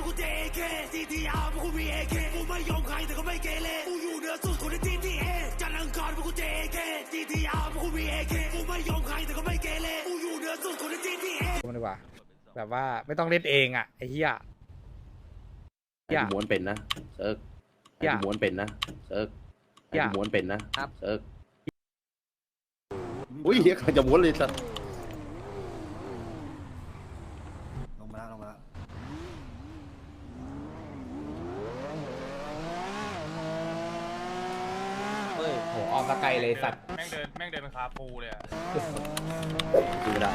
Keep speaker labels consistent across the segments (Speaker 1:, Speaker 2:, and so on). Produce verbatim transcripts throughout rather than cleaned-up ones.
Speaker 1: กูเจเคซีทีอาร์กูมีเอเคกูไม่ยอมใครแต่ก็ไม่เกเรกูอยู่เหนือสุดคนในทีทีเอจันทร์อังคารกูเจเคซีทีอาร์กูมีเอเคกูไม่ยอมใครแต่ก็ไม่เกเรกูอยู่เหนือสุดคนในทีทีเอ
Speaker 2: มันดีกว่าแบบว่าไม่ต้องเล่นเองอ่ะไอ้เหี้ย
Speaker 3: ไอ้ม้วนเป็นนะเซิร์กไอ้ม้วนเป็นนะเซิร์กไอ้ม้วนเป็นนะครับเซิร์กอุ้ยเฮียใครจะม้วนเลยสัตว์
Speaker 4: ลงมาแล้วลงมาแล้ว
Speaker 2: เฮ้ยโหออมตะไกลเลยสัตว์
Speaker 5: แม่งเดินแม่งเดินเป็นคาปูเลยอ่ะ
Speaker 3: ดูไม่ได้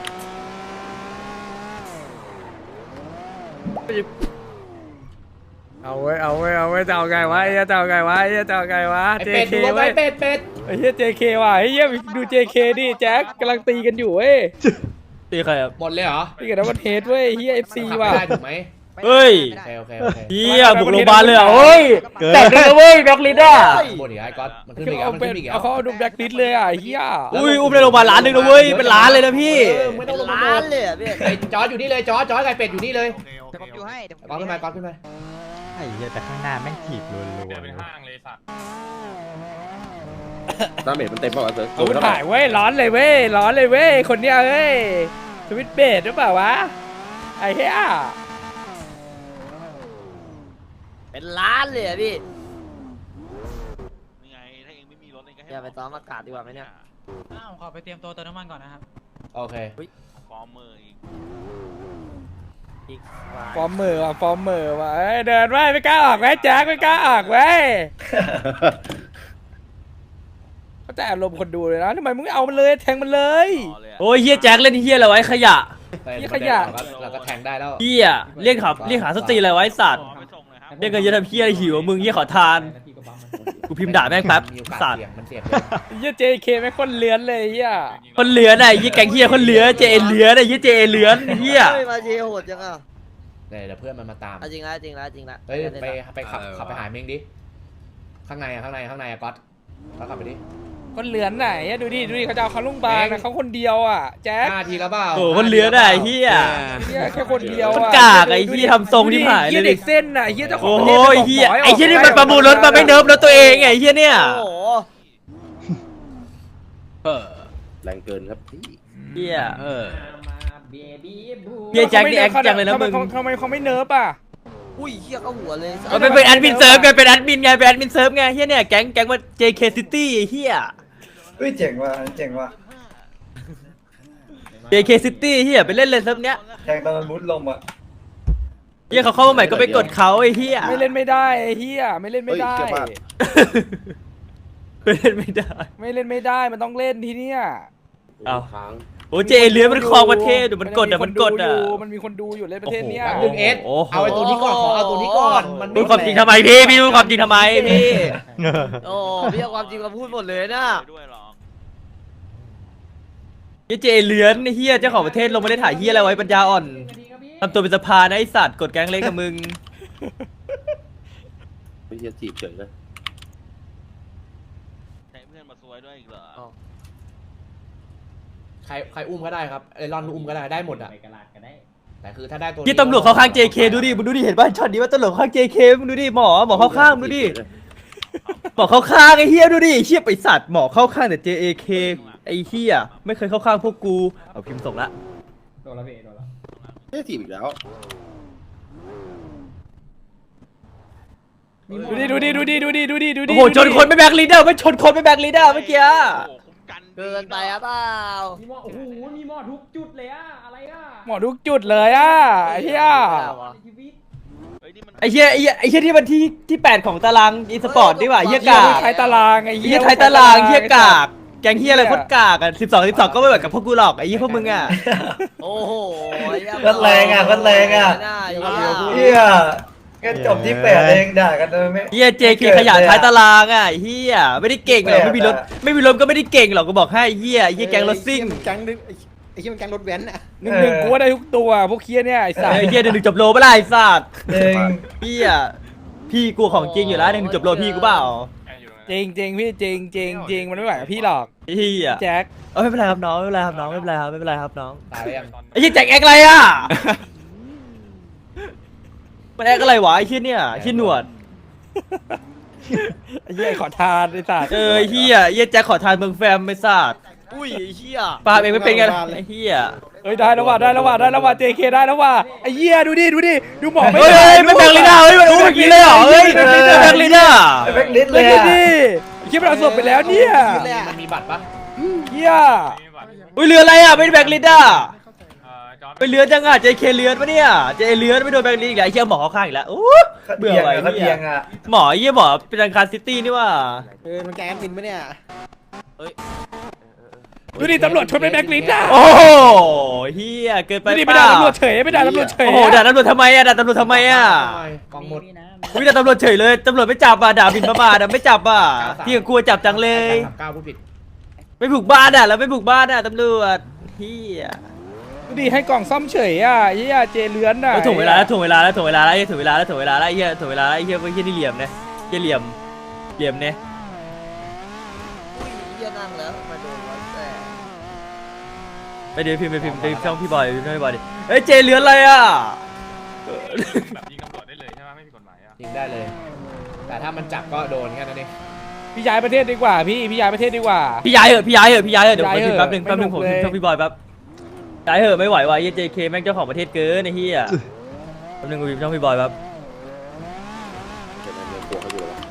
Speaker 2: เอาไว้เอาไว้เอาไว้จะเอาไงวะไอ้จะเอาไงวะไอ้จะเอาไงวะ
Speaker 6: ไอเป็ดดูรถไว้เป็ดเป็ด
Speaker 2: ไอ้เหี้ย เจ เค ว่ะไอ้เหี้ยดู เจ เค ดิแจ็คกำลังตีกันอยู่เว้ย
Speaker 7: ตีใครอ่ะ
Speaker 6: หมดเลยเหรอ
Speaker 2: ตีกันนะมันเฮดเว้ยเหี้ย เอฟ ซี ว่ะ
Speaker 6: ได้ถูกไหม
Speaker 7: เฮ้ย
Speaker 6: โอเคโอเคโอเค
Speaker 7: เฮียบุกโรงพยาบาลเลยเหรอเฮ้ยแต่เลยเว้ยแบ็คลิสอ่ะ
Speaker 6: หมดอีกไอ้ก๊อตมันขึ้นอีก
Speaker 2: เอา
Speaker 6: มัน
Speaker 2: เป็
Speaker 6: ขึ้
Speaker 2: น
Speaker 6: นอีก
Speaker 2: เอาเขาเอาดูแบล็คลิสเลยอ่ะไอ้เหี้ย
Speaker 7: อุ้ยอุ้มในโรงพยาบาลล้านหนึ่งนะเว้ยเป็นล้านเลยนะพี่
Speaker 6: ไม่ต้องลงมาล้านเลยอ่ะพี่ไอ้จอร์จอยู่นี่เลยจอร์จจอร์จไก่เป็ดอยู่นี่เลย
Speaker 4: โอเคโอเค
Speaker 8: เดี๋ยวผมอยู่ให้เดี๋ยวผม
Speaker 6: ก๊อตขึ้นมาก๊อตขึ้นมา
Speaker 7: ไอ้เหี้ยแต่ข้างหน้าแม่งถีบรัว
Speaker 5: เดินเป็นห้างเลยสัตว์
Speaker 3: ตาเมจมันเต็มเปล่าวะเซิร์ก
Speaker 2: เอาถ่ายเว้ยร้อนเลยเว้ยร้อนเลยเว้ยคนเนี้ยเว้ยสวิตช์เบสหรือเปล่าวะไอ้เหี้ย
Speaker 8: เป็นล้านเลยอะพี่
Speaker 5: นี่ไงถ้าเองไม่มีรถเองก็ให้
Speaker 8: อย่าไปซ้อมอากาศดีกว่าไหมเนี่ย
Speaker 9: อ้าวขอไปเตรียมตัวเติมน้ำมันก่อนนะครับ
Speaker 6: โอเค
Speaker 5: ฟอร์มมืออีก
Speaker 8: อีก
Speaker 2: ฟอร์มเมอร์ว่ะฟอร์มเมอร์ว่ะเอ้ยเดินไว้ไม่กล้าออกไว้แจ็คไม่กล้าออกไว้เขาแต่อารมณ์คนดูเลยนะทำไมมึงไม่เอามันเลยแทงมันเลย
Speaker 7: ๆโอ้ยเฮียแจ็คเล่นเฮียอะไรไว้ขยะ
Speaker 2: นี่ขยะ
Speaker 6: เราก็แทงได้แล้ว
Speaker 7: เฮียเรียกขับเรียกหาสตรีอะไรไว้สัตว์
Speaker 5: ไม่ส่งเลยครับ
Speaker 7: เรียกกันเยอะทำเฮียอะไรหิวมึงเฮียขอทานกูพิมพ์ด่าแม่งแป๊บ
Speaker 6: มีโอกาส
Speaker 7: สัตว์
Speaker 6: เสี่ยงมันเสี่ยง
Speaker 2: เหี้ย เจ เค ไม่งคนเลื้อนเลยเหี้ย
Speaker 7: คนเหลือน่ะไอ้เฮียแกงเฮียคนเหลือเจเอเหลือน่ะเฮียเจเอเหลือนเฮีย
Speaker 8: เฮ้ยมาเชียร์โหดจังอ่ะ
Speaker 6: เดี๋ยวเพื่อนมันมาตาม
Speaker 8: เอาจริงละจริงละจริงละ
Speaker 6: เฮ้ยไปไปขับขับไปหาเม้งดิข้างในอะข้างในข้างในอะก๊อตก๊อตขับไปดิ
Speaker 2: คนเลื้อนไหนอะดูดิดูดิเขาจะเอาเขาลุงบาลนะเขาคนเดียวอ่ะแจ็ค
Speaker 6: ห้าทีแล้วเปล่า
Speaker 7: โอ้คนเหลือน่ะไอ้เฮีย
Speaker 2: เหี้ยแค่คนเดียว
Speaker 7: คน
Speaker 2: อ่ะ
Speaker 7: กากไอ้เหี้ยทำทรงที่หายเลยดิ
Speaker 2: เหี้ยเด็กเส้นน่ะเหี้ยเจ้าขอ
Speaker 7: โอ้
Speaker 2: งประ
Speaker 7: โห
Speaker 2: เทศ
Speaker 7: ไอ้เฮีย
Speaker 2: บก
Speaker 7: ไอ้เฮียนี่มันประมูลรถมาไม่เนิร์ฟรถตัวเองไงไอ้เฮียเนี่ย
Speaker 8: โอ้โห
Speaker 3: แรงเกินครับพี่
Speaker 7: เฮียเฮียแจ็คนี่แอคจังเลยนะมึง
Speaker 2: ทำไมเขาไม่เนิร์ฟอ่ะ
Speaker 8: อุ้ยเฮียเข้าหัวเลย
Speaker 7: มันเป็นเป็นแอดมินเซิร์ฟไงเป็นแอดมินไงเป็นแอดมินเซิร์ฟไงเฮียเนี่ยแก๊งแก๊งว่า เจ เค City ไอ้เฮีย
Speaker 4: เฮ้ยเจ๋งว่ะเจ๋งว่ะ
Speaker 7: เจ เค City เฮียไปเล่นเลยเซิร์ฟเนี้ย
Speaker 4: แทงตอนมันมุดลมอ่ะ
Speaker 7: เฮียเขาเข้ามาใหม่ก็ไปกดเขาไอ้เฮีย
Speaker 2: ไม่เล่นไม่ได้ไอ้เหี้ยไม่เล่นไม่ได้
Speaker 3: เฮ้ยเกือบพลาด
Speaker 7: ไม่เล่นไม่ได้
Speaker 2: ไม่เล่นไม่ได้มันต้องเล่นที่เนี้ย
Speaker 7: เอา
Speaker 3: ค้าง
Speaker 7: โอ้เจเลือมันครองประเทศเดี๋ยวมันกดอ่ะมันกดอ่ะ
Speaker 2: มันมีคนดูอยู่เล่นประเทศเนี้ย
Speaker 6: แป๊บนึงเอส
Speaker 7: โอ้โห
Speaker 6: เอาไอ้ตัวนี้ก่อนขอเอาตัวนี้ก่อนมัน
Speaker 7: พูดความจริงทำไมพี่พี่พูดความจริงทำไมพี่
Speaker 8: โอ้พี่เอาความจริงมาพูดหมดเลยนะ
Speaker 5: ด้วยหรอ
Speaker 7: เฮียเจเลือนไอ้เฮียเจ้าของประเทศลงมาได้ถ่ายเฮียอะไรไว้ปัญญาอ่อนทำตัวเป็นสภานะไอสัตว์กดแก๊งเล็กกับมึง
Speaker 3: ไม่เฮียจีบเฉยเลย
Speaker 5: ใช้เพื่อนมาซวยด้วยอีกเหรอ
Speaker 6: ใครใครอุ้มก็ได้ครับไอรอนอุ้มก็ได้ได้หมดอะแต่คือถ้าได้ตัว
Speaker 7: ที่ตำรวจเข้าข้าง เจ เค ดูดิมึงดูดิเห็นป่ะช็อตนี้ว่าตำรวจเข้าข้าง เจ เค มึงดูดิหมอหมอเข้าข้างมึงดูดิหมอเข้าข้างไอ้เฮียดูดิเฮียไปสัตว์หมอเข้าข้างแต่ เจ เค ไอ้เฮียไม่เคยเข้าข้างพวกกูเอาพิมพ์ส่งละ
Speaker 3: เฮียจีบอีกแล้ว
Speaker 2: ดูดิดูดิดูดิดูดิดูดิดูดิ
Speaker 7: โอ้โหชนคนไม่แบกลีดเดอร์ไม่ชนคนไม่แบกลีดเดอร์เมื่อกี้
Speaker 5: โอ้โหคุ้มกัน
Speaker 8: เกินไปอ่ะเปล่า
Speaker 2: หมอทุกจุดเลยอ่ะไอ้เหี้ย
Speaker 5: เฮ้ยนี่มัน
Speaker 7: ไอ้เฮียไอ้เหี้ยไอ้เฮียที่มันที่ที่แปดของตารางอีสปอร์ตดีกว่าเฮีย
Speaker 2: เหี้ย
Speaker 7: กาก
Speaker 2: ไทยตารางไอ้
Speaker 7: ไอ้
Speaker 2: เหี้
Speaker 7: เฮี
Speaker 2: ย
Speaker 7: ยไทยตารางเฮียกากแกงเฮียอะไรโคตรกากอ่ะสิบสองสิบสองก็ไม่เหมือนกับพวกกูหรอกไอ้เฮียพวกมึงอ่ะ
Speaker 8: โอ้โห
Speaker 4: ก็แรงอ่ะก็แรงอ่ะ
Speaker 8: น่า
Speaker 4: เฮียแค่จบที่แปดเองด่ากันเลยไม่
Speaker 7: เฮียเจเคขยะท้ายตารางอ่ะไอ้เฮียไม่ได้เก่งหรอกไม่มีรถไม่มีรถก็ไม่ได้เก่งหรอกก็บอกให้เฮียเฮียแกงรถซิ่ง
Speaker 6: แก๊งนึงไอ้ที่มันแก๊งรถแว้นอะ
Speaker 2: หนึ่งหนึ่งกูว่าได้ทุกตัวพวกเคียเนี่ยไอ้สัส
Speaker 7: ไอ้เฮียหนึ่งจบโลไม่ได้ไอ้สัตว์
Speaker 4: เอง
Speaker 7: เฮียพี่กูของจริงอยู่แล้วหนึ่งจบโลพี่กูเปล่า
Speaker 2: จริงจริงพี่จริงจริงจริงมันไม่ไหวกับพี่หรอก
Speaker 7: ไอ้เฮีย
Speaker 2: แจ็ค
Speaker 7: เออไม่เป็นไรครับน้องไม่เป็นไรครับน้องไม่เป็นไรครับไม่เป็นไรครับน้อง
Speaker 6: ตายแล้วยัง
Speaker 7: ไอ้เฮียแจ็คแอกอะไรอ่ะมันแอคอะไรวะไอ้เหี้ยเนี่ยไอ้เหี้ยหนวด
Speaker 2: ไอ้เหี้ยขอทานไอ้สัตว์
Speaker 7: เออไอ้เหี้ยไอ้เหี้ยแจ็คขอทานเมืองแฟมไม่ทราบ
Speaker 8: อุ้ยไอ้เหี้ย
Speaker 7: ปาเองไม่เป็นไงไอ้เหี้ย
Speaker 2: เอ้ยได้แล้วว่ะได้แล้วว่ะได้แล้วว่ะ เจ เค ได้แล้วว่ะไอ้เหี้ยดูดิดูดิดูหมอไม่
Speaker 7: เฮ้ย
Speaker 2: ได้
Speaker 7: เฮ้ยไม่แบงลีน่าเฮ้ยมันอู้อย่างนี้เลยเหรอเฮ้ยไม่แบงลีน่า
Speaker 4: แบ็คลิสต์เล
Speaker 2: เลย
Speaker 4: ย
Speaker 2: ดิ
Speaker 4: อะ
Speaker 2: คิดว่าเราสบไปแล้วเนี่ย
Speaker 6: มันมีบัตรปะ
Speaker 2: เหี้ย
Speaker 7: อุ้ยเรืออะไรอ่ะไม่ได้แบงลีน่าไปเลือนจังอ่ะ เจ เค เลือนปะเนี่ย เจเลือนไม่โดนแบงลีอีกแล้วไอ้เหี้ยหมอเข้าข้างอีกแล้วโอ้เบื่อ
Speaker 4: เบียง
Speaker 7: ว่ะ
Speaker 4: อะ
Speaker 7: ไอ้
Speaker 4: เขา
Speaker 7: เหี้
Speaker 4: เบี
Speaker 7: ย
Speaker 4: ยงอะ
Speaker 7: หมอไอ้เหี้ยหมอเป็นทางการซิตี้นี่ว่า
Speaker 8: เออมันแกแอดมินปะเนี่ย
Speaker 2: ดูดิตำรวจชนไปแบงค์ลิสต์อ่ะ
Speaker 7: โอ้โหเฮียเกินไป
Speaker 2: ดูดิ
Speaker 7: เป
Speaker 2: ไม่ด่า
Speaker 7: ล่า
Speaker 2: ตำรวจเฉยไม่ด่าตำรวจเฉย
Speaker 7: โอ้โหด่าตำรวจทำไมอ่ะด่าตำรวจทำไมอ่ะ
Speaker 6: กองหมด
Speaker 7: วิด่าตำรวจเฉยเลยตำรวจไม่จับอ่ะด่าบินประมาทอ่ะไม่จับอ่ะที่กลัวจับจังเลย
Speaker 6: สามเก้าผู้ผิด
Speaker 7: ไม่บุกบ้านอ่ะแล้วไม่บุกบ้านอ่ะตำรวจเฮีย
Speaker 2: ดูดิให้กล่องซ่อมเฉยอ่ะไอ้เหี้ยเจเลือนอ่ะ
Speaker 7: แล้วถ่วงเวลาแล้วถ่วงเวลาแล้วถ่วงเวลาแล้วไอ้ถ่วงเวลาแล้วถ่วงเวลาแล้วไอ้เหี้ยถ่วงเวลาแล้วไอ้เหี้ยไอ้เหี้ยนี่เหลี่ยมนะเหี้ยเหลี่ยมเหลี่ยมเนี่ย
Speaker 8: อุ้ยเหี้ยนั่งแล้วมาโดนวัดแต่
Speaker 7: ไปเดี๋ยวพิมพ์ไปพิมพ์ไปช่องพี่บอยพิมพ์ช่องพี่บอยดิเฮ้ยเจเลือนอะไรอ่ะ
Speaker 5: แบบยิงตำรวจได้เลยใช่ไหมไม่ผิดกฎหมายอ่ะ
Speaker 6: ยิงได้เลย แต่ถ้ามันจับก็โดนแค่นั้นเอง
Speaker 2: พี่ย้ายประเทศดีกว่าพี่พี่ย้ายประเทศดีกว่า
Speaker 7: พี่ย้ายเหอะพี่ย้ายเหอะพี่ย้ายเหอะเดี๋ยวผมไป
Speaker 2: ย้าย
Speaker 7: พิมพ์
Speaker 2: เหอะ
Speaker 7: แป๊บนึงแป๊บนึงผม
Speaker 2: ไม่
Speaker 7: พิ
Speaker 2: หนุกเลย
Speaker 7: มพ์ช่องพี่บอยแป๊บย้ายเหอะไม่ไหวว่ะเหี้ย เจ เค แม่งเจ้าของประเทศเกินไอ้เหี้ยแป๊บนึงกูพิมพ์ช่องพี่บอยแป๊บ
Speaker 3: เดี๋ยวมันเมืองกลัวเขาอยู่แล้ววะ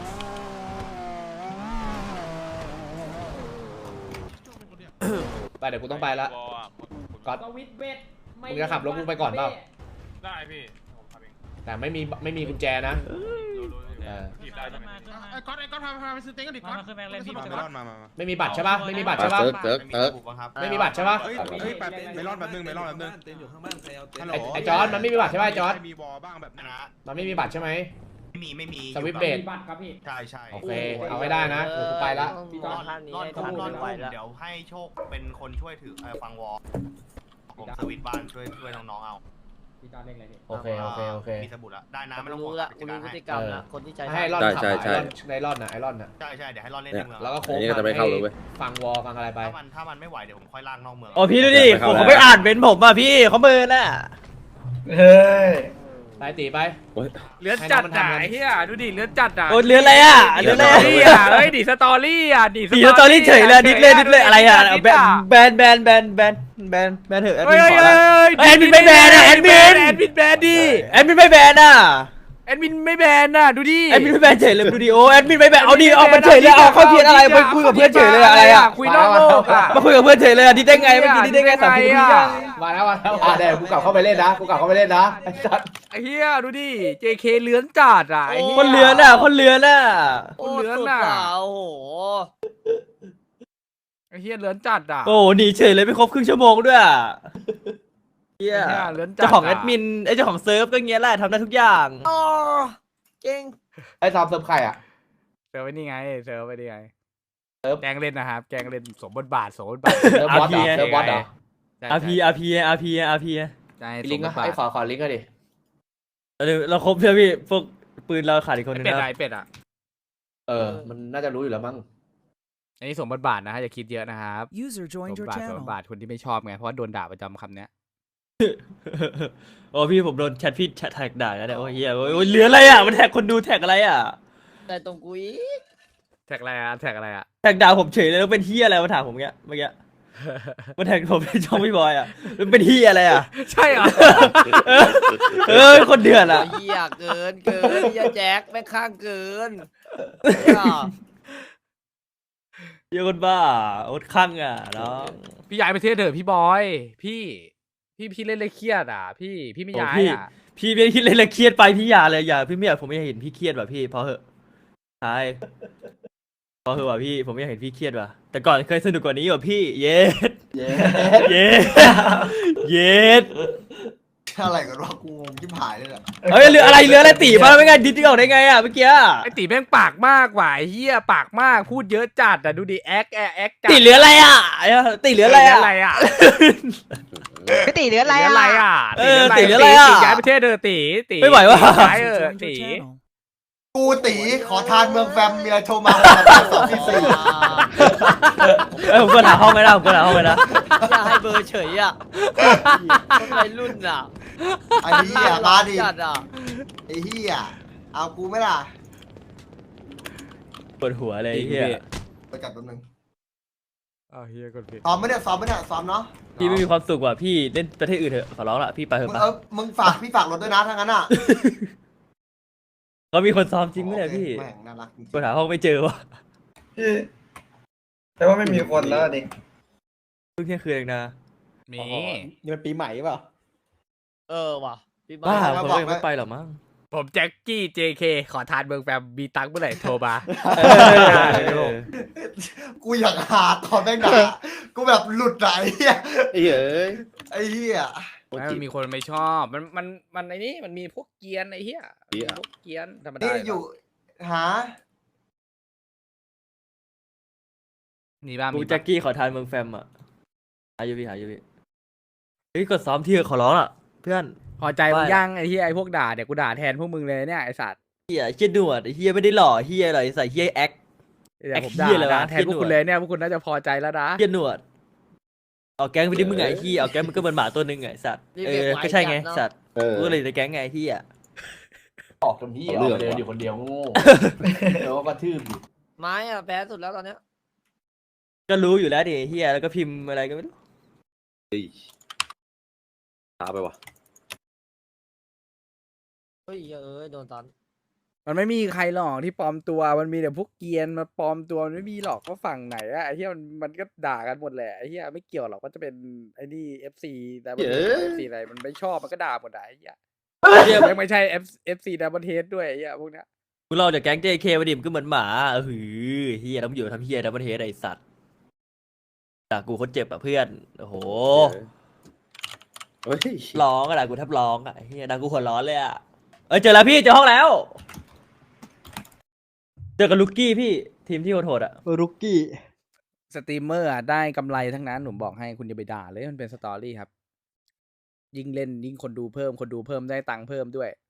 Speaker 6: ไปเดี๋ยวกูต้องไปละ
Speaker 5: วอลอะ
Speaker 6: ก๊อตมึงจะขับรถกูไปก่อนเปล่า
Speaker 5: ได้พี่ผมขับเอง
Speaker 6: แต่ไม่มีไม่มีกุญแจนะ
Speaker 5: รู้รู้
Speaker 6: เออ
Speaker 5: ผิดได้ใช่ไหม
Speaker 9: ไอ้ก๊อตไอ้ก๊อตพาพาไปซื้อเต็งกันดิก๊อตมาขึ้นแบงค์เลยพี่มา
Speaker 5: มามามา
Speaker 6: ไม่มีบัตรใช่ปะไม่มีบัตรใช่ปะ
Speaker 3: เซิร์กเซิร์กเซิร์ก
Speaker 6: ไม่มีบัตรใช่ปะ
Speaker 5: เฮ้ยเฮ้ยแป๊บเมลอนแป๊บนึงเมลอนแป๊บนึงฮัลโหล
Speaker 6: ไอ้ไอ้จอร์ดมันไม่มีบัตรใช่ปะไอ้จอร์ด
Speaker 5: มีวอลบ้างแบบนะ
Speaker 6: มันไม่มีบัตรใช่ไหม
Speaker 5: ไม่มีไม่มี
Speaker 6: สวิตช์เบรด
Speaker 5: ใช่ใช่
Speaker 6: โอเคเอาไว้ได้นะเดี๋ยวกูไปละ
Speaker 8: พี่จอดท่านนี้ให้ท่านไว้แล้ว
Speaker 10: เดี๋ยวให้โชคเป็นคนช่วยถือเอ่อฟังวอลผมสวิตช์บ้านช่วยช่วยน้องๆเอา
Speaker 6: โอเคโอเคโอเค
Speaker 10: มีสมุดละได้นะ
Speaker 8: ผม
Speaker 10: ไม่ต้อง
Speaker 8: รู้
Speaker 10: ห่วง
Speaker 8: ละ
Speaker 10: จั
Speaker 8: กู
Speaker 10: ด
Speaker 8: รู้
Speaker 10: การ
Speaker 8: พฤ
Speaker 10: ให้
Speaker 8: ติกรรมละคนที่ใช้
Speaker 6: ให้ไอรอนขับอะไอรอนในไอรอนน่ะไอรอนน่ะ
Speaker 10: ใช่ใช่เดี๋ยวให้รอดเล่นในเมือง
Speaker 6: แล้วก็โค้ง
Speaker 3: อันนี้ก็จะไม่เข้าเลยเว้ย
Speaker 6: ฟังวอลฟังอะไรไป
Speaker 10: ถ้ามันถ้ามันไม่ไหวเดี๋ยวผมค่อยลากนอกเมือง
Speaker 7: อ๋อพี่ดูดิ
Speaker 3: ไม่เข้า
Speaker 7: ผม
Speaker 3: แล้ว
Speaker 7: เขาไม่อ่านเป็นผมอ่ะพี่เขาเมินอ่ะ
Speaker 4: เฮ้ย
Speaker 6: ไปตีไป
Speaker 3: โอ้ย
Speaker 2: เลือนจัดอ่ะไอ้เหี้ยดูดิเลือนจัดอ่ะ
Speaker 7: โอ้เรืออะไรอ่ะ
Speaker 2: ดิ
Speaker 7: เรือ
Speaker 2: ส
Speaker 7: อะไร
Speaker 2: ตอรี่อ่ะเฮ้ยดิสตอรี่อ่ะดิ
Speaker 7: สีสตอรี่เฉยเลยดิสเลยดิสเลยอะไรอ่ะแบนแบนแบนแบนแบนแบนแบนเถอะแอด
Speaker 2: เฮ้
Speaker 7: มิ
Speaker 2: ย
Speaker 7: น
Speaker 2: เฮ้
Speaker 7: ข
Speaker 2: ย
Speaker 7: อ
Speaker 2: เฮ้
Speaker 7: ละ
Speaker 2: ย
Speaker 7: แอดมินไม่แบนอ่ะแอดมิน
Speaker 2: แอดมินแบนดิ
Speaker 7: แอดมินไม่แบนอ่ะ
Speaker 2: แอดมินไม่แบนน่ะดูดิ
Speaker 7: แอดมินไม่แบนเฉยเลยดูดิโอแอดมินไม่แบนเอาดิเอามันเฉยเลยเอาเข้าเทียนอะไรไปคุยกับเพื่อนเฉยเลยอะไรอ่ะ
Speaker 2: คุยนอกโลกอ่ะ
Speaker 7: มาคุยกับเพื่อนเฉยเลยอ่ะดิได้ไงเมื่อกี้ดิได้ไงสามสิบวิอ่ะ
Speaker 6: มาแล้วมาแล้วอ่ะเดี๋ยวกูกลับเข้าไปเล่นนะกูกลับเข้าไปเล่นนะไอ้สัส
Speaker 2: ไอ้เหี้ยดูดิ เจ เค เลื้อนจัดอ่ะไอ้เหี้ย
Speaker 7: คนเลือนอ่ะคนเลือนอ่ะ
Speaker 8: โอ้
Speaker 2: เหลือ
Speaker 8: สุด
Speaker 2: น่ะ
Speaker 8: อ่ะโอ้โห
Speaker 2: ไอ้เหี้ยเลื้อนจัดอ่ะ
Speaker 7: โอ้หนีเฉยเลยไม่ครบครึ่งชั่วโมงด้วยอ่ะเฮีย
Speaker 2: ไอ้เหี้ยเลื้อนจัด
Speaker 7: เจ้าของแอดมินไอ้เจ้าของเซิร์ฟก็เงี้ยแหละทำได้ทุกอย่าง
Speaker 8: อ๋อเก่ง
Speaker 6: ไอ้ซอมเซิร์ฟใครอ่ะ
Speaker 2: เซิร์ฟไว้นี่ไงเซิร์ฟไว้นี่ไง
Speaker 6: เซิร์ฟ
Speaker 2: แกล้งเล่นนะครับแกล้งเล่นสมบทบาทสมบทบาท
Speaker 6: เซิร์ฟบอสเหรอเซิร์ฟบอสเหรอ
Speaker 2: ใช่
Speaker 7: อาร์พีอาร์พีอาร์พีอาร์พี
Speaker 2: ใช่
Speaker 6: ลิงก์
Speaker 2: ส
Speaker 6: ก็
Speaker 2: มบทบาท
Speaker 6: ไอ้ขอขอลิงก์ก็ดิ
Speaker 7: เราเราครบใช่ไหมพี่พวกปืนเราขาดอีกคนนึง
Speaker 2: เป็ด
Speaker 7: นะ
Speaker 2: อะไอ้เป็ดอ่ะ
Speaker 6: เออมันน่าจะรู้อยู่แล้วมั้ง
Speaker 2: อันนี้สมบทบาทนะฮะอย่าคิดเยอะนะครับ
Speaker 11: User
Speaker 2: สม
Speaker 11: joined
Speaker 2: บ
Speaker 11: your
Speaker 2: ทบาทสม
Speaker 11: channel.
Speaker 2: บทบาทคนที่ไม่ชอบไงเพราะว่าโดนด่าประจำคำเนี้ย
Speaker 7: โอ้พี่ผมโดนแชทพี่แชทแท็กด่าแล้วเนี่ยโอ้ยเฮียโอ้ยเหลืออะไรอ่ะมันแท็กคนดูแท็กอะไรอ่ะ
Speaker 8: แต่ตรงกูอีก
Speaker 2: แท็กอะไรอ่ะแท็กอะไรอ่ะ
Speaker 7: แท็กด่าผมเฉยเลยแล้วเป็นเฮียอะไรมาถามผมเงี้ยเมื่อกี้มันแท็กผมในช่องพี่บอยอ่ะมันเป็นเฮียอะไรอ่ะ
Speaker 2: ใช่เหรอ
Speaker 7: เออเออคนเดือดอ่ะ
Speaker 8: เหี้ยเกินเกินเหี้ยแจ็คแม่งข้างเกินเหี้ย
Speaker 7: เฮียคนบ้าอดข้างอ่ะน้อง
Speaker 2: พี่ย้ายประเทศเถอะพี่บอย พี่พี่พี่เล่นเลยเครียดอ่ะ พี่พี่ไม่ย้ายอ่ะ
Speaker 7: พี่ไม่คิดเลยเลยเครียดไปพี่อย่าเลยอย่าพี่ไม่อยากผมไม่อยากเห็นพี่เครียดว่ะพี่พอเหอะใช่พอเหอะว่ะพี่ผมไม่อยากเห็นพี่เครียดว่ะแต่ก่อนเคยสนุกกว่านี้ว่ะพี่เย็ดเย็ดเย็ดเย็ด
Speaker 10: อะไรกันวะกูงงที่ผายเลยแหละ
Speaker 7: เฮ้ยเรืออะไรเรืออะไรตีมาไม่ไงดิจิออกได้ไงอ่ะเมื่อกี้
Speaker 2: ไอตีแม่งปากมากว่ะไอ้เฮียปากมากพูดเยอะจัดอ่ะดูดิแอคแอคแอคจัด
Speaker 7: ตีเรืออะไรอ่ะตีเรืออะไรอ่ะ
Speaker 2: อะไรอ่ะ
Speaker 8: พี่ตีเหลืออะไร
Speaker 2: ตีอะไร
Speaker 8: อ่ะ
Speaker 2: อ่ะ
Speaker 7: เออตีเรืออะไรอ่ะ
Speaker 2: ตีย้ายประเทศเถอะตีตี
Speaker 7: ไม่ไหวว่ะ
Speaker 2: ย้ายเออ
Speaker 11: Joined your
Speaker 2: ตี
Speaker 11: channel. กูตีขอทานเมืองแฟมเมียโทรมาสองที่สี่
Speaker 7: เอ้ยผมก็หาห้องไม่ได้ผมก็หาห้องไม่ได้
Speaker 8: อยากให้เบอร์เฉยอ่ะคนวัยรุ่นอ่ะ
Speaker 11: ไอ้เหี้ยมาดิ
Speaker 8: จัดอ่ะ
Speaker 11: ไอ้เหี้ยเอากูไหม่ล่ะ
Speaker 7: ปวดหัวเลยไอ้เฮีย
Speaker 11: ไปจัดแป๊บนึง
Speaker 2: อ้าวเฮียกดผิด
Speaker 11: ซ้อมไหมเนี่ยซ้อมไหมเนี่ยซ้อมเนาะ
Speaker 7: พี่ไม่มีความสุขว่ะพี่เล่นประเทศอื่นเถอะขอร้องละพี่ไปเถ
Speaker 11: มึ
Speaker 7: อะ
Speaker 11: ง
Speaker 7: ปะ
Speaker 11: เออมึงฝากพี่ฝากรถด้วยนะถ้างั้นอ่ะ
Speaker 7: เขามีคนซ้อมจริงไหมเนี่ยพี่
Speaker 11: แม่งน่ารักจริง
Speaker 7: กูหาห้องไม่เจอวะ
Speaker 4: พี่แต่ว่าไม่มีคนแล้วดิ
Speaker 7: เพิ่งเที่ยงคืนเองนะ
Speaker 8: มี
Speaker 6: นี่มันปีใหม่เปล่า
Speaker 8: เออว่ะพี่
Speaker 7: บ้า
Speaker 8: บ้า
Speaker 7: คนก็ยังไม่ไปหรอกมั้ง
Speaker 2: ผมแจ็คกี้ เจ เค ขอทานเมืองแฟมมีตังค์เมื่อไหร่โทรมา
Speaker 7: เออ
Speaker 11: กูอยากหาตอนแม่งด่ากูแบบหลุดไหนเหี้ย
Speaker 3: ไอ้เฮ้ย
Speaker 11: ไอ้เหี้ย
Speaker 2: ไม่มันมีคนไม่ชอบ มัน มัน มันไอ้นี่ มันมีพวกเกรียนไอ้เหี้ยมีพวกเกรียนธรรมดา
Speaker 11: นี่อยู่หา
Speaker 2: มีบ้าง
Speaker 7: กู
Speaker 2: มี
Speaker 7: แจ็
Speaker 2: บ้าง
Speaker 7: คกี้ขอทานเมืองแฟมอ่ะหาอยู่พี่หาอยู่พี่เฮ้ยกดซ้อมที่ขอร้องอ่ะเพื่อน
Speaker 2: พอใจมึงยังไอ้เหี้ยไอ้พวกด่าเดี๋ยวกูด่าแทนพวกมึงเลยเนี่ยไอ้สัตว์
Speaker 7: เฮียเฮียหนวดไอ้เฮียไม่ได้หล่อเฮียอะไรใส่เฮียแอค
Speaker 2: เดี๋ยวผมด่า
Speaker 7: ไอ้เหี้ยอะไรวะ
Speaker 2: ด่าแทนพวกคุณเลยเนี่ยพวกคุณน่าจะพอใจแล้วนะ
Speaker 7: เฮียหนวดเอาแก๊งไปดิมึงไงไอ้เฮียเอาแก๊งมึงก็เหมือนหมาตัวนึงไงสัตว์เออก็ใช่ไงสัตว์
Speaker 3: เออ
Speaker 7: กูก็เลยในแก๊งไงเฮีย
Speaker 6: ออกจนพี่อ
Speaker 3: เอา
Speaker 6: อก
Speaker 3: เรื่อง
Speaker 6: มาเดินอยู่คนเดียวโง่แล้วก็กระทืบอยู่
Speaker 8: ไม้อ่ะแพ้สุดแล้วตอนเนี้ย
Speaker 7: ก็รู้อยู่แล้วดิเฮียแล้วก็พิมพ์อะไรก็ไม่รู้
Speaker 3: เฮ้ยช้าไปวะ
Speaker 8: เฮ้ยเอ้ยโดนตอน
Speaker 2: มันไม่มีใครหรอกที่ปลอมตัว มันมีแต่พวกเกรียนมาปลอมตัวมันไม่มีหรอกว่าฝั่งไหนอะไอ้เหี้ยมันมันก็ด่ากันหมดแหละไอ้เหี้ยไม่เกี่ยวหรอกว่าจะเป็นไอ้นี่ เอฟ ซี แต่มัน
Speaker 3: เย้
Speaker 2: เอฟซีอะไรมันไม่ชอบมันก็ด่าหมดอะไอ้เหี้ยเหี้ยไม่ใช่ F เอฟซีดับเบิลเทสด้วยไอ้เหี้ยพวกเนี้ย
Speaker 7: มึงเล่าจากแก๊ง เจ เค มาดิมนก็เหมือนหมาเออหือเฮียแล้วมึงอยู่ทำเฮียดับเบิลเทสไอ้สัตว์ด่ากูคนเจ็บอ่ะเพื่อนโอ้โห
Speaker 3: เฮ้ย
Speaker 7: ร้องอะด่ากูแทบร้องอ่ะเฮียด่ากูหัวร้อนเลยอ่ะเอ้ยเจอแล้วพี่เจอห้องแล้วเจอกับลูกกี้พี่ทีมที่โหดๆอ่ะ
Speaker 6: รุกกี้
Speaker 2: สตรีมเมอร์อะได้กำไรทั้งนั้นผมบอกให้คุณอย่าไปด่าเลยมันเป็นสตอรี่ครับ ยิ่งเล่นยิ่งคนดูเพิ่มคนดูเพิ่มได้ตังค์เพิ่มด้วย